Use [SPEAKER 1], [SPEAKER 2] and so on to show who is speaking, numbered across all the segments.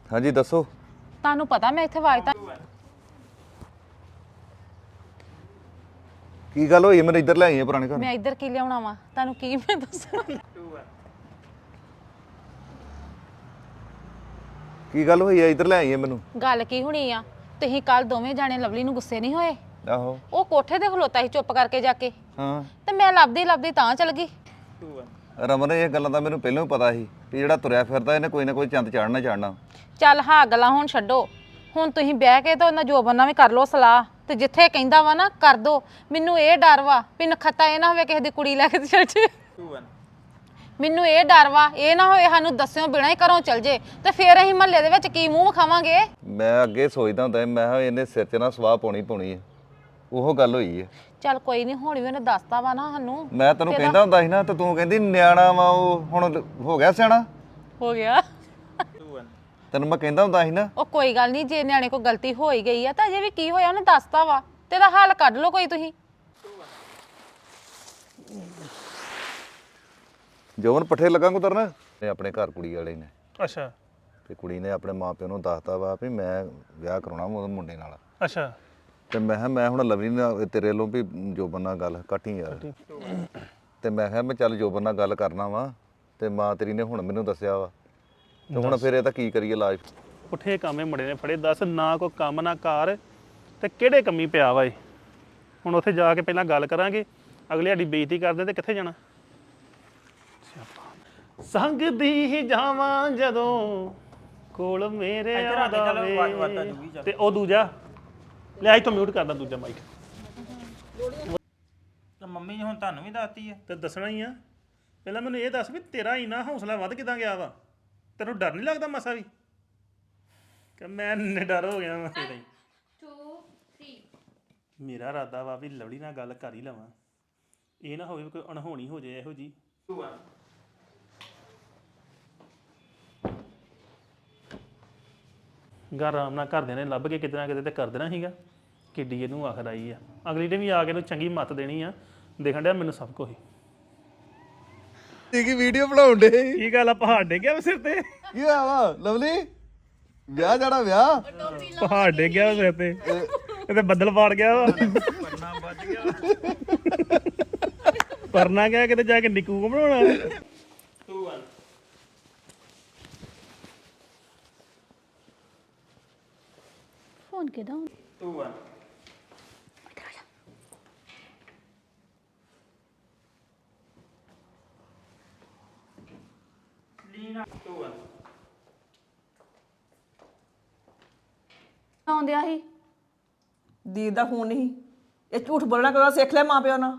[SPEAKER 1] ਹਾਂਜੀ ਦੱਸੋ।
[SPEAKER 2] ਤੁਹਾਨੂੰ ਪਤਾ ਮੈਂ ਇੱਥੇ ਆਵਾਜ਼ ਤਾਂ
[SPEAKER 1] ਕੀ ਗੱਲ ਹੋਈ? ਮੈਨੂੰ ਇੱਧਰ ਲੈ ਆਈ ਆ ਪੁਰਾਣੇ ਘਰ।
[SPEAKER 2] ਮੈਂ ਇੱਧਰ ਕੀ ਲਿਆਉਣਾ ਵਾ? ਤੁਹਾਨੂੰ ਕੀ ਮੈਂ ਦੱਸਾਂ?
[SPEAKER 1] ਕੀ ਗੱਲ ਹੋਈ ਆ? ਇੱਧਰ ਲੈ ਆਈ ਆ ਮੈਨੂੰ।
[SPEAKER 2] ਗੱਲ ਕੀ ਹੋਣੀ ਆ? ਤੁਸੀਂ ਕੱਲ ਦੋਵੇਂ ਜਾਣੇ ਲਵਲੀ ਨੂੰ ਗੁੱਸੇ ਨਹੀਂ ਹੋਏ?
[SPEAKER 1] ਆਹੋ।
[SPEAKER 2] ਉਹ ਕੋਠੇ ਤੇ ਖਲੋਤਾ ਸੀ ਚੁੱਪ ਕਰਕੇ ਜਾ ਕੇ,
[SPEAKER 1] ਹਾਂ
[SPEAKER 2] ਤੇ ਮੈਂ ਲੱਭਦੀ ਲੱਭਦੀ ਤਾਂ ਚਲ ਗਈ।
[SPEAKER 1] ਰਮਨ, ਇਹ ਗੱਲਾਂ ਤਾਂ ਮੈਨੂੰ ਪਹਿਲਾਂ ਹੀ ਪਤਾ ਸੀ ਕਿ ਜਿਹੜਾ ਤੁਰਿਆ ਫਿਰਦਾ ਇਹਨੇ ਕੋਈ ਨਾ ਕੋਈ ਚੰਦ ਚਾੜਨਾ ਚਾੜਨਾ।
[SPEAKER 2] ਚੱਲ ਹਾਂ ਗੱਲਾਂ ਹੁਣ ਛੱਡੋ। ਹੁਣ ਤੁਸੀਂ ਬਹਿ ਕੇ ਤੇ ਉਹਨਾਂ ਜੋਬਨ ਨਾਲ ਵੀ ਕਰ ਲਓ ਸਲਾਹ, ਤੇ ਜਿੱਥੇ ਕਹਿੰਦਾ ਵਾ ਨਾ ਕਰ ਦੋ। ਮੈਨੂੰ ਇਹ ਡਰ ਵਾ ਵੀ ਨਖੱਤਾ ਇਹ ਨਾ ਹੋਵੇ ਕਿਸੇ ਦੀ ਕੁੜੀ ਲੈ ਕੇ ਚਲ ਜੇ। ਮੈਨੂੰ ਇਹ ਡਰ ਵਾ ਇਹ ਨਾ ਹੋਵੇ ਸਾਨੂੰ ਦੱਸਿਓ ਬਿਨਾਂ ਹੀ ਘਰੋਂ ਚਲ ਜੇ, ਤੇ ਫੇਰ ਅਸੀਂ ਮਹੱਲੇ ਦੇ ਵਿੱਚ ਕੀ ਮੂੰਹ ਵਿਖਾਵਾਂਗੇ।
[SPEAKER 1] ਮੈਂ ਅੱਗੇ ਸੋਚਦਾ ਹੁੰਦਾ ਮੈਂ ਕਿਹਾ ਇਹਨੇ ਸਿਰ 'ਚ ਨਾ ਸਵਾਹ ਪਾਉਣੀ ਹੈ। ਉਹ ਗੱਲ ਹੋਈ ਹੈ।
[SPEAKER 2] ਚੱਲ ਕੋਈ ਨਹੀਂ, ਹੁਣ ਵੀ ਉਹਨੇ ਦੱਸਤਾ ਵਾ ਨਾ ਸਾਨੂੰ।
[SPEAKER 1] ਮੈਂ ਤੈਨੂੰ ਕਹਿੰਦਾ ਹੁੰਦਾ ਸੀ ਨਾ, ਤੇ ਤੂੰ ਕਹਿੰਦੀ ਨਿਆਣਾ ਵਾ ਉਹ, ਹੁਣ ਹੋ ਗਿਆ ਸਿਆਣਾ।
[SPEAKER 2] ਹੋ ਗਿਆ।
[SPEAKER 1] ਤੈਨੂੰ ਮੈਂ ਕਹਿੰਦਾ ਹੁੰਦਾ ਸੀ ਨਾ।
[SPEAKER 2] ਉਹ ਕੋਈ ਗੱਲ ਨਹੀਂ, ਜੇ ਨਿਆਣੇ ਕੋਲ ਗਲਤੀ ਹੋ ਹੀ ਗਈ ਆ ਤਾਂ ਅਜੇ ਵੀ ਕੀ ਹੋਇਆ ਉਹਨੇ ਦੱਸਤਾ ਵਾ, ਤੇ ਇਹਦਾ ਹੱਲ ਕੱਢ ਲਓ ਕੋਈ ਤੁਸੀਂ।
[SPEAKER 1] ਜੋਬਨ ਪੱਠੇ ਲੱਗਾ ਕੁਤਰਨ ਨੇ ਆਪਣੇ ਘਰ ਕੁੜੀ ਵਾਲੇ ਨੇ।
[SPEAKER 3] ਅੱਛਾ।
[SPEAKER 1] ਤੇ ਕੁੜੀ ਨੇ ਆਪਣੇ ਮਾਪਿਆਂ ਨੂੰ ਦੱਸਤਾ ਵਾ ਵੀ ਮੈਂ ਵਿਆਹ ਕਰਾਉਣਾ ਉਹਦੇ ਮੁੰਡੇ ਨਾਲ।
[SPEAKER 3] ਅੱਛਾ।
[SPEAKER 1] ਤੇ ਮੈਂ ਕਿਹਾ ਮੈਂ ਹੁਣ ਲਵਲੀ ਨਾਲ ਤੇਰੇ ਵੱਲੋਂ ਵੀ ਜੋਬਨ ਨਾਲ ਗੱਲ ਘੱਟੀ ਯਾਰ। ਤੇ ਮੈਂ ਕਿਹਾ ਮੈਂ ਚੱਲ ਜੋਬਨ ਨਾਲ ਗੱਲ ਕਰਨਾ ਵਾ, ਤੇ ਮਾਂ ਤੇਰੀ ਨੇ ਹੁਣ ਮੈਨੂੰ ਦੱਸਿਆ ਵਾ, ਤੇ ਹੁਣ ਫਿਰ ਇਹ ਤਾਂ ਕੀ ਕਰੀਏ ਇਲਾਜ।
[SPEAKER 3] ਪੁੱਠੇ ਕਾਮੇ ਮੁੰਡੇ ਨੇ ਫੜੇ, ਦੱਸ ਨਾ ਕੋਈ ਕੰਮ ਨਾ ਕਾਰ, ਤੇ ਕਿਹੜੇ ਕੰਮੀ ਪਿਆ ਵਾ ਇਹ। ਹੁਣ ਉੱਥੇ ਜਾ ਕੇ ਪਹਿਲਾਂ ਗੱਲ ਕਰਾਂਗੇ, ਅਗਲੇ ਸਾਡੀ ਬੇਇੱਜ਼ਤੀ ਕਰਦੇ ਤੇ ਕਿੱਥੇ ਜਾਣਾ। ਸੰਗ ਦੀ ਹੀ ਜਾਵਾਂ ਜਦੋਂ ਕੋਲ ਮੇਰੇ ਆਵੇ, ਤੇ ਉਹ ਦੂਜਾ ਲੈ ਇੱਥੋਂ ਮਿਊਟ ਕਰਦਾ ਦੂਜਾ ਮਾਈਕ।
[SPEAKER 4] ਤਾਂ ਮੰਮੀ ਨੇ ਹੁਣ ਤੁਹਾਨੂੰ ਵੀ ਦੱਸਤੀ ਹੈ।
[SPEAKER 3] ਤੇ ਦੱਸਣਾ ਹੀ ਆ। ਪਹਿਲਾਂ ਮੈਨੂੰ ਇਹ ਦੱਸ ਵੀ ਤੇਰਾ ਇੰਨਾ ਹੌਸਲਾ ਵੱਧ ਕਿਦਾਂ ਗਿਆ ਵਾ? ਤੈਨੂੰ ਡਰ ਨਹੀਂ ਲੱਗਦਾ ਮਸਾ ਵੀ? ਕਿ ਮੈਂ ਡਰ ਹੋ ਗਿਆ ਵਾ ਤੇਰਾ ਹੀ। 2 3 ਮੇਰਾ ਇਰਾਦਾ ਵਾ ਵੀ ਲਵਲੀ ਨਾਲ ਗੱਲ ਕਰ ਹੀ ਲਵਾਂ, ਇਹ ਨਾ ਹੋਵੇ ਕੋਈ ਅਣਹੋਣੀ ਹੋ ਜਾਏ ਇਹੋ ਜੀ। 2 1 ਘਰ ਆਰਾਮ ਨਾਲ ਘਰਦਿਆਂ ਨੇ ਲੱਭ ਕੇ ਕਿਤੇ ਨਾ ਕਿਤੇ ਤੇ ਕਰ ਦੇਣਾ ਸੀਗਾ। ਕਿੱਡੀ ਇਹਨੂੰ ਆਖਰ ਆਈ ਆ, ਅਗਲੀ ਨੇ ਵੀ ਆ ਕੇ ਇਹਨੂੰ ਚੰਗੀ ਮੱਤ ਦੇਣੀ ਆ। ਦੇਖਣ ਡਿਆ ਮੈਨੂੰ ਸਭ ਕੁਝ
[SPEAKER 1] ਕੀ ਵੀਡੀਓ ਬਣਾਉਣ ਦੇ?
[SPEAKER 3] ਕੀ ਗੱਲ ਆ, ਪਹਾੜ ਡੇ ਗਿਆ ਸਿਰ ਤੇ?
[SPEAKER 1] ਕੀ ਹੋਇਆ ਵਾ ਲਵਲੀ? ਵਿਆਹ ਜਾਣਾ ਵਿਆਹ?
[SPEAKER 3] ਪਹਾੜ ਡੇ ਗਿਆ ਸਿਰ ਤੇ, ਇਹ ਤੇ ਬੱਦਲ ਪਾੜ ਗਿਆ ਵਾ।
[SPEAKER 4] ਪਰਨਾ ਵੱਜ ਗਿਆ।
[SPEAKER 3] ਪਰਨਾ ਗਿਆ ਕਿਤੇ ਜਾ ਕੇ ਨਿੱਕੂ ਕੋ ਬਣਾਉਣਾ। 2 1
[SPEAKER 2] ਫੋਨ ਕਿਹਦਾ?
[SPEAKER 3] 2 1 ਲੀਨਾ 2 1
[SPEAKER 5] ਆਉਂਦਿਆ ਸੀ ਦੀਦ ਦਾ ਫੋਨ ਨਹੀਂ। ਇਹ ਝੂਠ ਬੋਲਣਾ ਕਦੋਂ ਸਿੱਖ ਲਿਆ ਮਾਂ ਪਿਓ ਨਾਲ?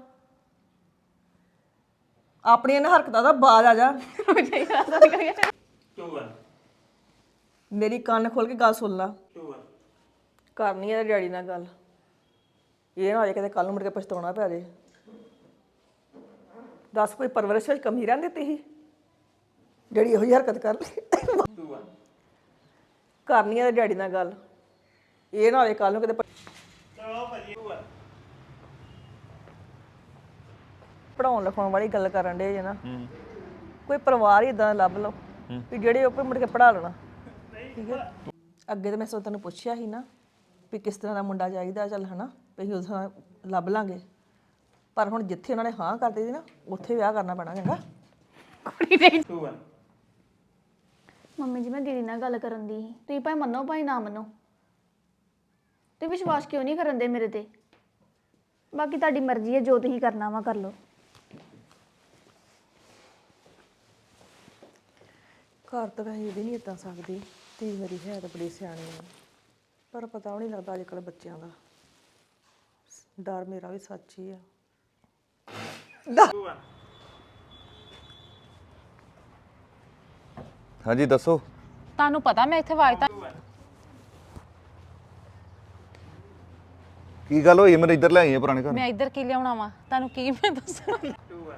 [SPEAKER 5] ਆਪਣੀ ਇਹਨਾਂ ਹਰਕਤਾਂ ਦਾ ਬਾਜ ਆ ਜਾ।
[SPEAKER 3] 2 1
[SPEAKER 5] ਮੇਰੀ ਕੰਨ ਖੋਲ ਕੇ ਗੱਲ ਸੁਣ ਲਾ।
[SPEAKER 3] 2 1
[SPEAKER 5] ਕਰਨੀ ਹੈ ਡੈਡੀ ਨਾਲ ਗੱਲ, ਇਹ ਨਾ ਹੋਏ ਕਿਤੇ ਕੱਲ ਨੂੰ ਮੁੜ ਕੇ ਪਛਤਾਉਣਾ ਪੈ ਜੇ। ਦੱਸ ਕੋਈ ਪਰਵਰਿਸ਼ ਵਿੱਚ ਕਮੀ ਰਹਿਣ ਦਿੱਤੀ ਸੀ ਜਿਹੜੀ ਇਹੋ ਜਿਹੀ ਹਰਕਤ ਕਰ ਲਈ?
[SPEAKER 3] 2 1
[SPEAKER 5] ਕਰਨੀ ਹੈ ਡੈਡੀ ਨਾਲ ਗੱਲ, ਇਹ ਨਾ ਹੋਏ ਕੱਲ ਨੂੰ ਕਿਤੇ
[SPEAKER 3] ਚਲੋ ਭਾਜੀ 2 1
[SPEAKER 5] ਪੜਾਉਣ ਲਿਖਾਉਣ ਵਾਲੀ ਗੱਲ ਕਰਨ ਦੇ ਜੇ ਨਾ। ਕੋਈ ਪਰਿਵਾਰ ਹੀ ਇਦਾਂ ਲੱਭ ਲਓ ਵੀ ਜਿਹੜੇ ਉਹ ਮੁੜ ਕੇ ਪੜਾ ਲੈਣਾ। ਠੀਕ ਹੈ। ਅੱਗੇ ਤਾਂ ਮੈਂ ਸੋ ਤੈਨੂੰ ਪੁੱਛਿਆ ਸੀ ਨਾ ਵੀ ਕਿਸ ਤਰ੍ਹਾਂ ਦਾ ਮੁੰਡਾ ਚਾਹੀਦਾ, ਚੱਲ ਹਨਾ ਵੀ ਅਸੀਂ ਉਸ ਤਰ੍ਹਾਂ ਲੱਭ ਲਾਂਗੇ, ਪਰ ਹੁਣ ਜਿੱਥੇ ਉਹਨਾਂ ਨੇ ਹਾਂ ਕਰ ਦਿੱਤੀ ਨਾ ਉੱਥੇ ਵਿਆਹ ਕਰਨਾ ਪੈਣਾ। ਚੰਗਾ।
[SPEAKER 3] 2 1
[SPEAKER 6] ਮੰਮੀ ਜੀ ਮੈਂ ਦੀਦੀ ਨਾਲ ਗੱਲ ਕਰਨ ਦੀ ਸੀ, ਤੁਸੀਂ ਭਾਵੇਂ ਮੰਨੋ ਭਾਵੇਂ ਨਾ ਮੰਨੋ, ਤੇ ਵਿਸ਼ਵਾਸ ਕਿਉਂ ਨਹੀਂ ਕਰਨ ਦੇ ਮੇਰੇ ਤੇ? ਬਾਕੀ ਤੁਹਾਡੀ ਮਰਜ਼ੀ ਹੈ, ਜੋ ਤੁਸੀਂ ਕਰਨਾ ਵਾ ਕਰ ਲਓ।
[SPEAKER 5] ਘਰ ਤਾਂ ਵੈਸੇ ਇਹ ਵੀ ਨਹੀਂ ਇੱਦਾਂ ਸਕਦੀ, ਧੀ ਮੇਰੀ ਹੈ ਤਾਂ ਬੜੀ ਸਿਆਣੀ ਆ, ਪਰ ਪਤਾ ਉਹ ਨਹੀਂ ਲੱਗਦਾ ਅੱਜ ਕੱਲ੍ਹ ਬੱਚਿਆਂ ਦਾ। ਡਰ ਮੇਰਾ ਵੀ ਸੱਚ ਹੀ ਆ।
[SPEAKER 3] 2 1
[SPEAKER 1] ਹਾਂਜੀ ਦੱਸੋ।
[SPEAKER 2] ਤੁਹਾਨੂੰ ਪਤਾ ਮੈਂ ਇੱਥੇ ਆਵਾਜ਼ ਤਾਂ
[SPEAKER 1] ਕੀ ਗੱਲ ਹੋਈ? ਮੈਨੂੰ ਇੱਧਰ ਲੈ ਆਈ ਆ ਪੁਰਾਣੇ ਘਰ।
[SPEAKER 2] ਮੈਂ ਇੱਧਰ ਕੀ ਲਿਆਉਣਾ ਵਾ? ਤੁਹਾਨੂੰ ਕੀ ਮੈਂ ਦੱਸਾਂ?
[SPEAKER 3] 2 1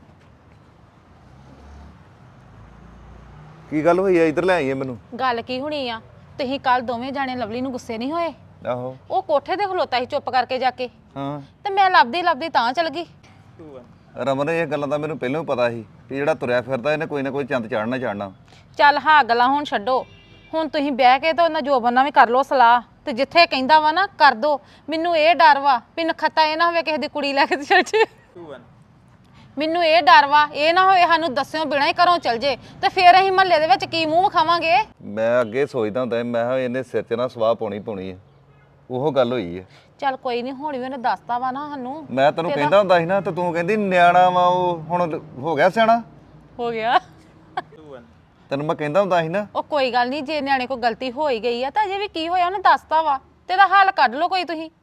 [SPEAKER 1] ਕੀ ਗੱਲ ਹੋਈ ਆ? ਇੱਧਰ ਲੈ ਆਈ ਆ ਮੈਨੂੰ।
[SPEAKER 2] ਗੱਲ ਕੀ ਹੋਣੀ ਆ? ਤੁਸੀਂ ਕੱਲ ਦੋਵੇਂ ਜਾਣੇ ਲਵਲੀ ਨੂੰ ਗੁੱਸੇ ਨਹੀਂ ਹੋਏ?
[SPEAKER 1] ਆਹੋ।
[SPEAKER 2] ਉਹ ਕੋਠੇ ਤੇ ਖਲੋਤਾ ਸੀ ਚੁੱਪ ਕਰਕੇ ਜਾ ਕੇ,
[SPEAKER 1] ਹਾਂ।
[SPEAKER 2] ਤੇ ਮੈਂ ਲੱਭਦੀ ਲੱਭਦੀ ਤਾਂ ਚਲ ਗਈ।
[SPEAKER 3] 2 1
[SPEAKER 1] ਰਮਨ, ਇਹ ਗੱਲਾਂ ਤਾਂ ਮੈਨੂੰ ਪਹਿਲਾਂ ਹੀ ਪਤਾ ਸੀ ਕਿ ਜਿਹੜਾ ਤੁਰਿਆ ਫਿਰਦਾ ਇਹਨੇ ਕੋਈ ਨਾ ਕੋਈ ਚੰਦ ਚਾੜਨਾ ਚਾੜਨਾ।
[SPEAKER 2] ਚੱਲ ਹਾਂ ਗੱਲਾਂ ਹੁਣ ਛੱਡੋ। ਹੁਣ ਤੁਸੀਂ ਬਹਿ ਕੇ ਤਾਂ ਉਹਨਾਂ ਜੋਬਨ ਨਾਲ ਵੀ ਕਰ ਲਓ ਸਲਾਹ ਤੇ ਜਿੱਥੇ ਕਹਿੰਦਾ ਵਾ ਨਾ ਕਰ ਦੋ। ਮੈਨੂੰ ਇਹ ਡਰ ਵਾ ਵੀ ਨਖੱਤਾ ਇਹ ਨਾ ਹੋਵੇ ਕਿਸੇ ਦੀ ਕੁੜੀ ਲੈ ਕੇ ਤੇ ਚਲ ਜੇ।
[SPEAKER 4] 2 1
[SPEAKER 2] ਮੈਨੂੰ ਇਹ ਡਰ ਵਾ ਇਹ ਨਾ ਹੋਵੇ ਸਾਨੂੰ ਦੱਸਿਓ ਬਿਨਾਂ ਹੀ ਘਰੋਂ ਚਲ ਜੇ ਤੇ ਫੇਰ ਅਸੀਂ ਮਹੱਲੇ ਦੇ ਵਿੱਚ ਕੀ ਮੂੰਹ ਵਿਖਾਵਾਂਗੇ।
[SPEAKER 1] ਮੈਂ ਅੱਗੇ ਸੋਚਦਾ ਹੁੰਦਾ ਸੀ, ਮੈਂ ਕਿਹਾ ਇਹਨੇ ਸਿਰ 'ਚ ਨਾ ਸਵਾਹ ਪਾਉਣੀ ਹੈ। ਉਹ ਗੱਲ ਹੋਈ ਹੈ।
[SPEAKER 2] ਚੱਲ ਕੋਈ ਨਹੀਂ ਹੁਣ ਵੀ ਉਹਨੇ ਦੱਸਤਾ ਵਾ ਨਾ ਸਾਨੂੰ।
[SPEAKER 1] ਮੈਂ ਤੈਨੂੰ ਕਹਿੰਦਾ ਹੁੰਦਾ ਸੀ ਨਾ ਤੇ ਤੂੰ ਕਹਿੰਦੀ ਨਿਆਣਾ ਵਾ ਉਹ, ਹੁਣ ਹੋ ਗਿਆ ਸਿਆਣਾ।
[SPEAKER 2] ਹੋ ਗਿਆ
[SPEAKER 4] 2 1
[SPEAKER 1] ਤੈਨੂੰ ਮੈਂ ਕਹਿੰਦਾ ਹੁੰਦਾ ਸੀ ਨਾ।
[SPEAKER 2] ਉਹ ਕੋਈ ਗੱਲ ਨਹੀਂ ਜੇ ਨਿਆਣੇ ਕੋਲ ਗਲਤੀ ਹੋ ਹੀ ਗਈ ਆ ਤਾਂ ਅਜੇ ਵੀ ਕੀ ਹੋਇਆ ਉਹਨੇ ਦੱਸਤਾ ਵਾ ਤੇ ਇਹਦਾ ਹੱਲ ਕੱਢ ਲਓ ਕੋਈ ਤੁਸੀਂ।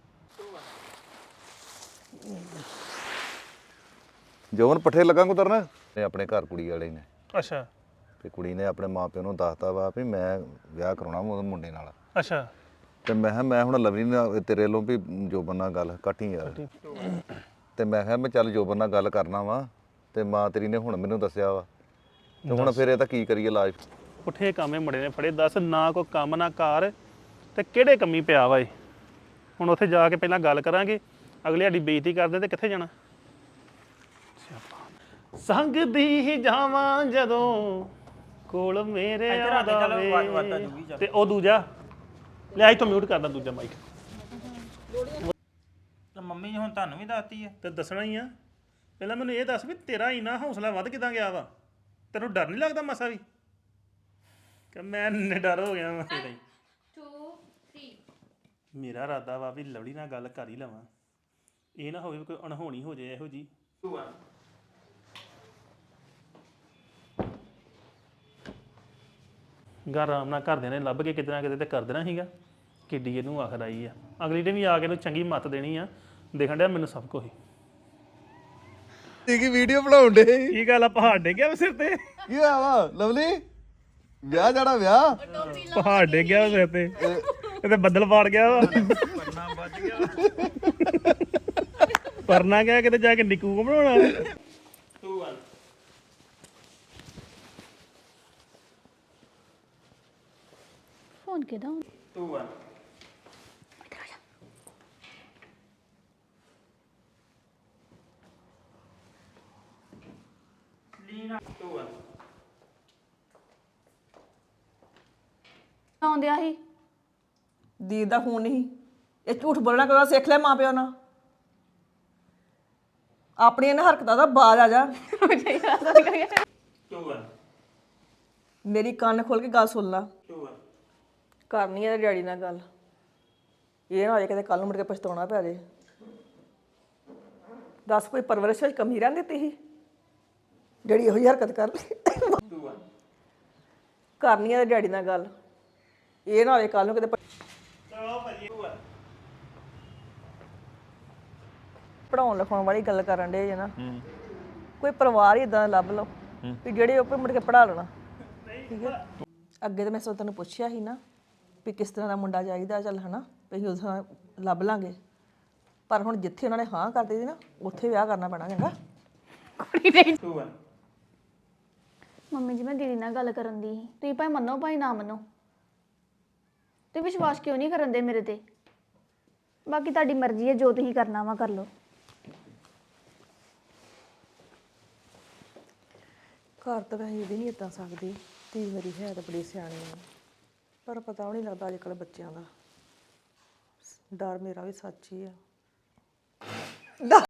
[SPEAKER 1] ਜੋਬਨ ਪੱਠੇ ਲੱਗਾ ਕੁਤਰਨ ਤੇ ਆਪਣੇ ਘਰ ਕੁੜੀ ਵਾਲੇ ਨੇ
[SPEAKER 3] ਅੱਛਾ
[SPEAKER 1] ਤੇ ਕੁੜੀ ਨੇ ਆਪਣੇ ਮਾਪਿਆਂ ਨੂੰ ਦੱਸਤਾ ਵਾ ਵੀ ਮੈਂ ਵਿਆਹ ਕਰਾਉਣਾ ਉਹਦੇ ਮੁੰਡੇ ਨਾਲ।
[SPEAKER 3] ਅੱਛਾ
[SPEAKER 1] ਤੇ ਮੈਂ ਕਿਹਾ ਮੈਂ ਹੁਣ ਲਵਲੀ ਨਾਲ ਤੇਰੇ ਵੱਲੋਂ ਵੀ ਜੋਬਨ ਨਾਲ ਗੱਲ ਕੱਟੀ ਯਾਰ। ਤੇ ਮੈਂ ਕਿਹਾ ਮੈਂ ਚੱਲ ਜੋਬਨ ਨਾਲ ਗੱਲ ਕਰਨਾ ਵਾ ਤੇ ਮਾਂ ਤੇਰੀ ਨੇ ਹੁਣ ਮੈਨੂੰ ਦੱਸਿਆ ਵਾ ਤੇ ਹੁਣ ਫਿਰ ਇਹ ਤਾਂ ਕੀ ਕਰੀਏ ਇਲਾਜ।
[SPEAKER 3] ਪੁੱਠੇ ਕਾਮੇ ਮੁੰਡੇ ਨੇ ਫੜੇ ਦੱਸ ਨਾ ਕੋਈ ਕੰਮ ਨਾ ਕਾਰ ਤੇ ਕਿਹੜੇ ਕੰਮੀ ਪਿਆ ਵਾ ਇਹ। ਹੁਣ ਉੱਥੇ ਜਾ ਕੇ ਪਹਿਲਾਂ ਗੱਲ ਕਰਾਂਗੇ ਅਗਲੇ ਸਾਡੀ ਬੇਇੱਜ਼ਤੀ ਕਰਦੇ ਤੇ ਕਿੱਥੇ ਜਾਣਾ। ਸੰਗ ਦੀ ਹੀ ਜਾਵਾਂ ਜਦੋਂ ਕੋਲ ਮੇਰੇ ਆਵੇ ਤੇ ਉਹ ਦੂਜਾ ਲੈ ਇੱਥੋਂ ਮਿਊਟ ਕਰਦਾ ਦੂਜਾ ਮਾਈਕ।
[SPEAKER 4] ਤੇ ਮੰਮੀ ਨੇ ਹੁਣ ਤੁਹਾਨੂੰ ਵੀ ਦੱਸਤੀ ਹੈ
[SPEAKER 3] ਤੇ ਦੱਸਣਾ ਹੀ ਆ। ਪਹਿਲਾਂ ਮੈਨੂੰ ਇਹ ਦੱਸ ਵੀ ਤੇਰਾ ਇੰਨਾ ਹੌਸਲਾ ਵੱਧ ਕਿਦਾਂ ਗਿਆ ਵਾ? ਤੈਨੂੰ ਡਰ ਨਹੀਂ ਲੱਗਦਾ ਮਸਾ ਵੀ? ਕਿ ਮੈਂ ਨਿਡਰ ਹੋ ਗਿਆ ਵਾ ਇਹਦਾ ਹੀ।
[SPEAKER 6] 2 3
[SPEAKER 3] ਮੇਰਾ ਇਰਾਦਾ ਵਾ ਵੀ ਲਵਲੀ ਨਾਲ ਗੱਲ ਕਰ ਹੀ ਲਵਾਂ। ਇਹ ਨਾ ਹੋਵੇ ਵੀ ਕੋਈ ਅਣਹੋਣੀ ਹੋ ਜਾਏ ਇਹੋ ਜੀ।
[SPEAKER 4] 2 1
[SPEAKER 3] ਘਰ ਆਰਾਮ ਨਾਲ ਘਰਦਿਆਂ ਨੇ ਲੱਭ ਕੇ ਕਿਤੇ ਨਾ ਕਿਤੇ ਤੇ ਕਰ ਦੇਣਾ ਸੀਗਾ। ਕਿੱਡੀ ਇਹਨੂੰ ਆਖਰ ਆਈ ਆ। ਅਗਲੀ ਨੇ ਵੀ ਆ ਕੇ ਇਹਨੂੰ ਚੰਗੀ ਮੱਤ ਦੇਣੀ ਆ। ਦੇਖਣ ਡਿਆ ਮੈਨੂੰ ਸਭ ਕੁਝ
[SPEAKER 1] ਕੀ ਵੀਡੀਓ ਬਣਾਉਣ ਦੇ
[SPEAKER 3] ਕੀ ਗੱਲ ਆ ਪਹਾੜ ਡੇ ਗਿਆ ਸਿਰ ਤੇ?
[SPEAKER 1] ਕੀ ਹੋਇਆ ਵਾ ਲਵਲੀ? ਵਿਆਹ ਜਾਣਾ ਵਿਆਹ?
[SPEAKER 3] ਪਹਾੜ ਡੇ ਗਿਆ ਸਿਰ ਤੇ ਇਹਦੇ ਬੱਦਲ ਪਾੜ ਗਿਆ ਵਾ।
[SPEAKER 4] ਪਰਨਾ ਵੱਜ ਗਿਆ
[SPEAKER 3] ਪਰਨਾ ਗਿਆ ਕਿਤੇ ਜਾ ਕੇ ਨਿੱਕੂ ਕੋ ਬਣਾਉਣਾ।
[SPEAKER 4] 2 1
[SPEAKER 6] ਫੋਨ ਕਿਹਦਾ
[SPEAKER 4] 2 1 ਲੀਨਾ 2 1
[SPEAKER 6] ਆਉਂਦਿਆ ਸੀ
[SPEAKER 5] ਦੀਦ ਦਾ ਫੋਨ ਨਹੀਂ। ਇਹ ਝੂਠ ਬੋਲਣਾ ਕਦੋਂ ਸਿੱਖ ਲਿਆ ਮਾਂ ਪਿਓ ਨਾਲ। ਆਪਣੀਆਂ ਇਹਨਾਂ ਹਰਕਤਾਂ ਦਾ ਬਾਜ਼ ਆ ਜਾ।
[SPEAKER 4] 2 1
[SPEAKER 5] ਮੇਰੀ ਕੰਨ ਖੋਲ ਕੇ ਗੱਲ ਸੁਣ ਲਾ।
[SPEAKER 4] 2 1
[SPEAKER 5] ਕਰਨੀ ਹੈ ਡੈਡੀ ਨਾਲ ਗੱਲ। ਇਹ ਨਾ ਹੋਏ ਕਿਤੇ ਕੱਲ ਨੂੰ ਮੁੜ ਕੇ ਪਛਤਾਉਣਾ ਪੈ ਜੇ। ਦੱਸ ਕੋਈ ਪਰਵਰਿਸ਼ ਵਿੱਚ ਕਮੀ ਰਹਿਣ ਦਿੱਤੀ ਸੀ ਜਿਹੜੀ ਇਹੋ ਜਿਹੀ ਹਰਕਤ ਕਰ ਲਈ।
[SPEAKER 4] 2 1
[SPEAKER 5] ਕਰਨੀ ਹੈ ਡੈਡੀ ਨਾਲ ਗੱਲ। ਇਹ ਨਾ ਹੋਵੇ ਕੱਲ ਨੂੰ ਕਿਤੇ ਪੜਾਉਣ ਲਿਖਾਉਣ ਵਾਲੀ ਗੱਲ ਕਰਨ ਦੇ ਜੇ ਨਾ ਕੋਈ ਪਰਿਵਾਰ ਹੀ ਇਦਾਂ ਲੱਭ ਲਓ ਵੀ ਜਿਹੜੇ ਉਹ ਮੁੜ ਕੇ ਪੜਾ ਲੈਣਾ। ਠੀਕ ਹੈ ਅੱਗੇ ਤਾਂ ਮੈਂ ਸੋ ਤੈਨੂੰ ਪੁੱਛਿਆ ਸੀ ਨਾ ਵੀ ਕਿਸ ਤਰ੍ਹਾਂ ਦਾ ਮੁੰਡਾ ਚਾਹੀਦਾ ਚੱਲ ਹਨਾ ਵੀ ਉਸ ਤਰ੍ਹਾਂ ਲੱਭ ਲਾਂਗੇ। ਪਰ ਹੁਣ ਜਿੱਥੇ ਉਹਨਾਂ ਨੇ ਹਾਂ ਕਰ ਦਿੱਤੀ ਨਾ ਉੱਥੇ ਵਿਆਹ ਕਰਨਾ ਪੈਣਾ ਚੰਗਾ।
[SPEAKER 4] 2 1
[SPEAKER 6] ਮੰਮੀ ਜੀ ਮੈਂ ਦੀਦੀ ਨਾਲ ਗੱਲ ਕਰਨ ਦੀ ਸੀ ਤੁਸੀਂ ਭਾਵੇਂ ਮੰਨੋ ਭਾਵੇਂ ਨਾ ਮੰਨੋ ਤੇ ਵਿਸ਼ਵਾਸ ਕਿਉਂ ਨਹੀਂ ਕਰਨ ਦੇ ਮੇਰੇ ਤੇ? ਬਾਕੀ ਤੁਹਾਡੀ ਮਰਜ਼ੀ ਹੈ ਜੋ ਤੁਸੀਂ ਕਰਨਾ ਵਾ ਕਰ ਲਓ।
[SPEAKER 5] ਘਰ ਤਾਂ ਵੈਸੇ ਇਹਦੀ ਨਹੀਂ ਇੱਦਾਂ ਸਕਦੀ। ਧੀ ਮੇਰੀ ਹੈ ਤਾਂ ਬੜੀ ਸਿਆਣੀ ਆ ਪਰ ਪਤਾ ਵੀ ਨਹੀਂ ਲੱਗਦਾ ਅੱਜ ਕੱਲ੍ਹ ਬੱਚਿਆਂ ਦਾ। ਡਰ ਮੇਰਾ ਵੀ ਸੱਚ ਹੀ ਆ।